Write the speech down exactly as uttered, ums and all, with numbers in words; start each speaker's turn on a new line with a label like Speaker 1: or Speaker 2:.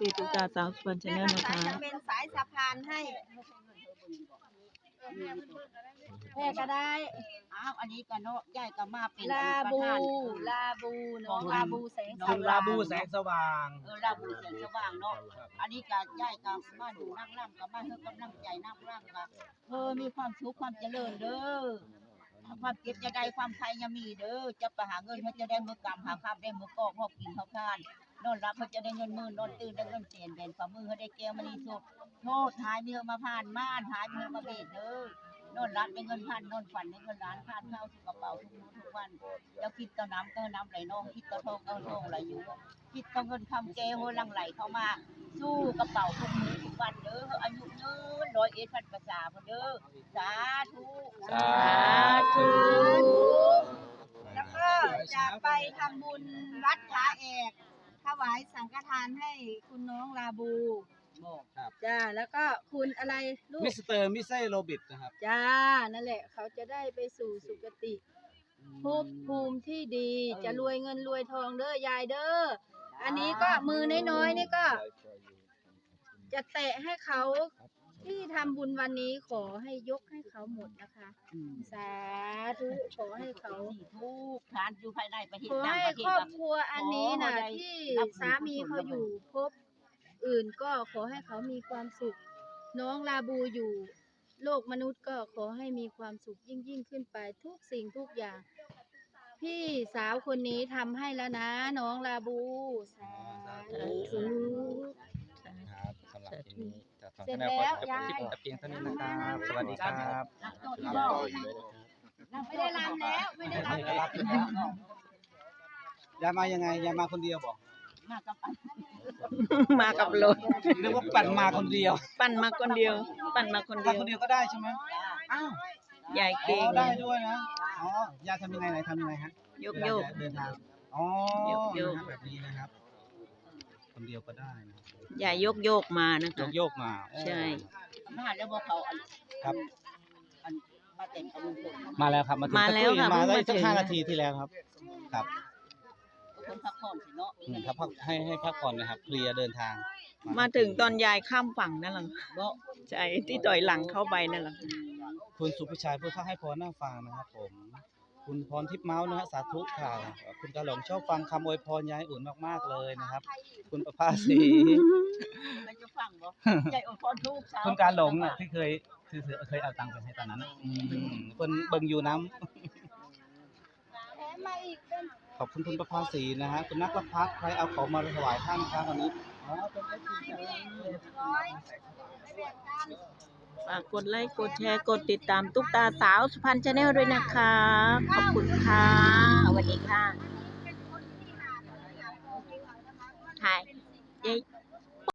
Speaker 1: ซีตุ๊กตาสาวสุพรรณชาแนลนะคะ
Speaker 2: จะเป็นสายสะพานให้แพ่ก็ได้อ้าวอันนี้ก็เนาะยายก็มาเป็นลาบูลาบูเนาะลาบูแสงส
Speaker 3: คุณลา
Speaker 2: ว่าง
Speaker 3: บูแสงสว่าง
Speaker 2: เออลาบูแสงสว่างเนาะอันนี้ก็ยายก็มาดูนั่งร่ำก็มาเฮ็ดกำลังใจนั่งร่ำก็เออมีความสุขความเจริญเด้อความเก็บจะได้ความใครยังมีเด้อจะไปหาเงินเขาจะได้มือกำหาข้าวได้มือกอกพอกินข้าวทานนอนรับเขาจะได้เงินหมื่นนอนตื่นได้เงินเสียนเด่นฝ่ามือเขาได้แก้วมณีสุขโทษหายมีเฮมาผ่านม่านหายมีเฮมาเบ็ดเด้อนอนรับได้เงินพันนอนฝันได้เงินล้านทานข้าวสุกกระเป๋าทุกมื้อทุกวันแล้วคิดต่อน้ำก็น้ำไหลนองคิดต่อทองก็ทองไหลอยู่คิดต่อเงินคำเจโหลังไหลเข้ามาสู้กระเป๋าทุกมื้อทุกวันเด้ออายุยืนร้อยเอ็ดพันประสาเด้อสาธุสาธุ แล้วก็จะไปทำบุญวัดผาแอกถวายสังฆทานให้คุณน้องลาบูจ้าแล้วก็คุณอะไรลูก
Speaker 3: มิสเตอร์มิเซ่โรบิทนะครับ
Speaker 2: จ้านั่นแหละเขาจะได้ไปสู่สุคติภพภูมิที่ดีจะรวยเงินรวยทองเด้อยายเด้ออันนี้ก็มือน้อยๆนี่ก็ จะแตะให้เขาที่ทำบุญวันนี้ขอให้ยกให้เขาหมดนะคะสาธุขอให้เขาทุกทานอยู่ภายในประเทศขอให้ครอบครัวอันนี้นะที่สามีเขาอยู่พบอื่นก็ขอให้เขามีความสุขน้องลาบูอยู่โลกมนุษย์ก็ขอให้มีความสุขยิ่งยิ่งขึ้นไปทุกสิ่งทุกอย่างพี่สาวคนนี้ทำให้แล้วนะน้องลาบูสาธุ
Speaker 3: ครับสำหรับทีนี้จะทำ
Speaker 2: เสร็จ
Speaker 3: แนว
Speaker 2: แล้ว
Speaker 3: ก็
Speaker 2: ยาย
Speaker 3: คลิปแต่เพียงเท่านี้นะครับ สวัสดีครับ
Speaker 2: ไม่ได้รำแล้วไม่ได้รำแล้ว
Speaker 3: ยายมายังไงยายมาคนเดียวบอก
Speaker 2: มากับปัน
Speaker 1: มากับรถ
Speaker 3: หรือว่าปั่นมาคนเดียว
Speaker 1: ปั่นมาคนเดียว ปั่นมาคน
Speaker 3: มา
Speaker 1: เดียว
Speaker 3: คนเดียวก็ได้ใช่ไหมอ้าวย
Speaker 1: าย
Speaker 3: อ๋
Speaker 1: เก่
Speaker 3: อง ได้ด้วยนะอ๋อยายทำยังไงไหนทำยังไงฮะ
Speaker 1: ยกโยก
Speaker 3: เดินทางอ๋อย
Speaker 1: กโยก
Speaker 3: นะฮะแบบนี้นะครับ คนเดียวก็ได้นะ
Speaker 1: ยายยกโยกมานะ
Speaker 3: ย
Speaker 1: คะ
Speaker 3: กโยกมาโอ้
Speaker 1: ใช่
Speaker 2: มาแล้วบอกเขาอัน
Speaker 3: ครับ
Speaker 2: อันมาเต็มกระบุงผม
Speaker 3: มาแล้วครับมาถึง
Speaker 1: มาแล้วค่ะ
Speaker 3: มาได้
Speaker 1: เพิ่งมา
Speaker 3: สัก
Speaker 1: ถึง
Speaker 3: ห้านาทีที่แล้วครับ ครับ
Speaker 2: คนพักผ่อนสิเนาะ
Speaker 3: อืมครับพักให้ให้พักผ่อนนะครับเคลียร์เดินทาง
Speaker 1: มาถึงตอนยายข้ามฝั่งนั่นแหละ
Speaker 2: เนาะ
Speaker 1: ใช่ที่ต่อยหลังเข้าไปนั่นแหละ
Speaker 3: คุณสุพิชัยผู้ทักให้พรน่าฟังนะครับผม คุณพรทิพย์เมาส์นะฮะสาธุค่ะ คุณกาหลงชอบฟังคำอวยพรยายอุ่นมากๆเลยนะครับ คุณประภาสี
Speaker 2: มันจะฟังบ่ใจอดทนทุกสาว
Speaker 3: คุณกาหลงน่ะที่เคยคือเคยเอาตังค์ไปให้ตอนนั้นน่ะอืมคนเบิ่งอยู่น้ำ
Speaker 2: แถมมาอีกเป็น
Speaker 3: ขอบคุณคุณประภาสีนะฮะคุณนักประพัฒน์ใครเอาของมาถวายท่านครับวันนี้อ๋อเป็นเอฟซี
Speaker 2: ร้อยไปแบ่งกัน
Speaker 1: ฝากกดไลค์กดแชร์กดติดตามตุ๊กตาสาวสุพรรณชาแนลด้วยนะคะ ขอบคุณค่ะสวัสดีค่ะ